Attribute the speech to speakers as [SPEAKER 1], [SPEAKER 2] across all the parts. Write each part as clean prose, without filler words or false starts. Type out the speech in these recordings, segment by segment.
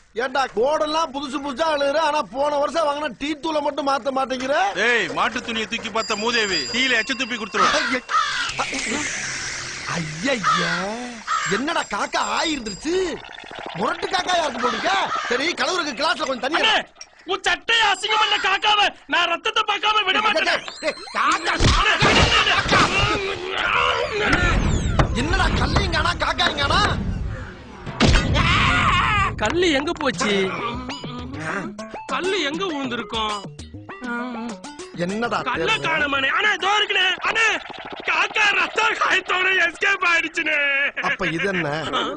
[SPEAKER 1] ஏண்டா கோடெல்லாம் புதுசு புதுசா அழுகுற, ஆனா போன வருஷம் வாங்கின டீ தூளை மட்டும் மாத்த மாட்டேங்கிற.
[SPEAKER 2] ஏய், மாட்டு துணியை தூக்கி பார்த்த மூதேவி டீல எச்ச துப்பி கொடுத்துருவேன்.
[SPEAKER 1] ஐயா, என்னடா காக்கா ஆயிருந்துருச்சு? முரட்டு காக்கா யாருக்கு போட்டுருக்க? சரி, கலவருக்கு கிளாஸ்ல கொஞ்சம் தண்ணி.
[SPEAKER 3] உன் சட்டையை அசிங்கம் பண்ண காக்காவ நான் ரத்தத்தை பார்க்காம விட மாட்டேன்.
[SPEAKER 1] என்னடா கல்லிங்கானா காக்காய்ங்கானா?
[SPEAKER 3] கல்லு எங்க போச்சு? கல்லு எங்க விழுந்திருக்கும்?
[SPEAKER 1] என்னடா
[SPEAKER 3] கல்ல காணமானே. அண்ணா இதோ இருக்குனே. அண்ணா காக்கா ரத்த காயத்தோட எஸ்கேப் ஆயிடுச்சுனே.
[SPEAKER 1] அப்ப இது என்ன?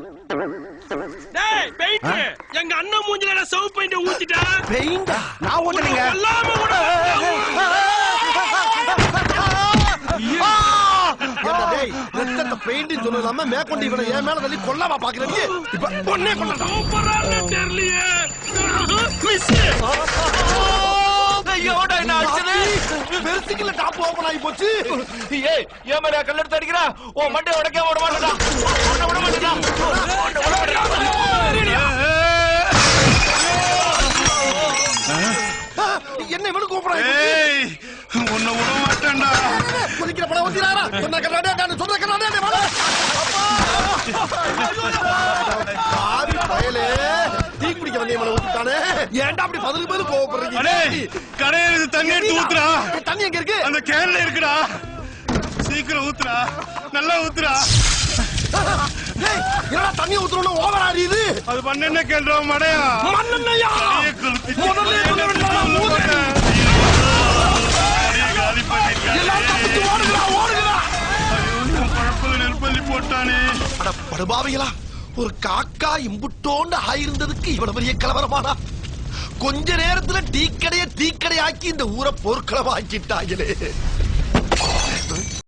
[SPEAKER 3] டேய் பெயிண்ட், எங்க அண்ணன் மூஞ்சில சவு பெயிண்ட் ஊத்திட்டா.
[SPEAKER 1] பெயிண்ட் நான் ஊத்துறீங்க.
[SPEAKER 3] எல்லாமே கூட
[SPEAKER 1] ரத்தத்தை பெயிண்ட் சொல்லாம மேற்கொண்டு இவனை என் மேல தள்ளி கொல்லாம பாக்குறீங்க. இப்ப பொண்ணே கொள்ள
[SPEAKER 3] சூப்பரான தெரியலையே. மிஸ்
[SPEAKER 4] ஐயோடா என்ன ஆச்சுது?
[SPEAKER 1] பெருசிக்கல டாப் ஓபன் ஆகி போச்சு.
[SPEAKER 4] ஏய், ஏன் மேல கல்ல எடுத்து அடிக்கிறா? ஓ மண்டை உடைக்க விட மாட்டேடா. விட மாட்டேடா.
[SPEAKER 1] என்ன இவனு கூப்பிடுறாங்க?
[SPEAKER 2] ஏய், உன்னை விட மாட்டேன்டா.
[SPEAKER 1] குதிக்கிற படம் வந்துறாரா? சொன்ன கண்ணாடியா நான் சொல்ற கண்ணாடியா வாடா. ஆவி பயலே, டீ குடிக்க வந்தே மேல ஊத்திட்டானே. ஏன்டா அப்படி பதில் கோவப்படுறீங்க?
[SPEAKER 2] அடேய், கடையில தண்ணி எடுத்து ஊத்துறா.
[SPEAKER 1] தண்ணி எங்க இருக்கு?
[SPEAKER 2] அந்த கேன்ல இருக்குடா. சீக்கிரம் ஊத்துறா, நல்லா ஊத்துறா.
[SPEAKER 1] டேய், என்னடா தண்ணி ஊத்துறோம்னு ஓவர் ஆறியுது?
[SPEAKER 2] அது பண்ண கேள்றா மடையா.
[SPEAKER 1] மண்ணெண்ணெயா? முதல்ல சொல்ல வேண்டாம்.
[SPEAKER 2] காலி பண்ணிட்டேன்.
[SPEAKER 1] எல்லாம் தப்பிச்சு ஓடுங்கடா, ஓடுங்கடா.
[SPEAKER 2] பழப்பல நெல்பள்ளி போட்டானே.
[SPEAKER 1] அட படுபாவிகளா, ஒரு காக்கா இம்புட்டோண்டு ஆயிருந்ததுக்கு இவ்வளவு பெரிய கலவரமானா? கொஞ்ச நேரத்துல டீக்கடையை ஆக்கி இந்த ஊரை போர்க்களமாக்கிட்டாங்களே.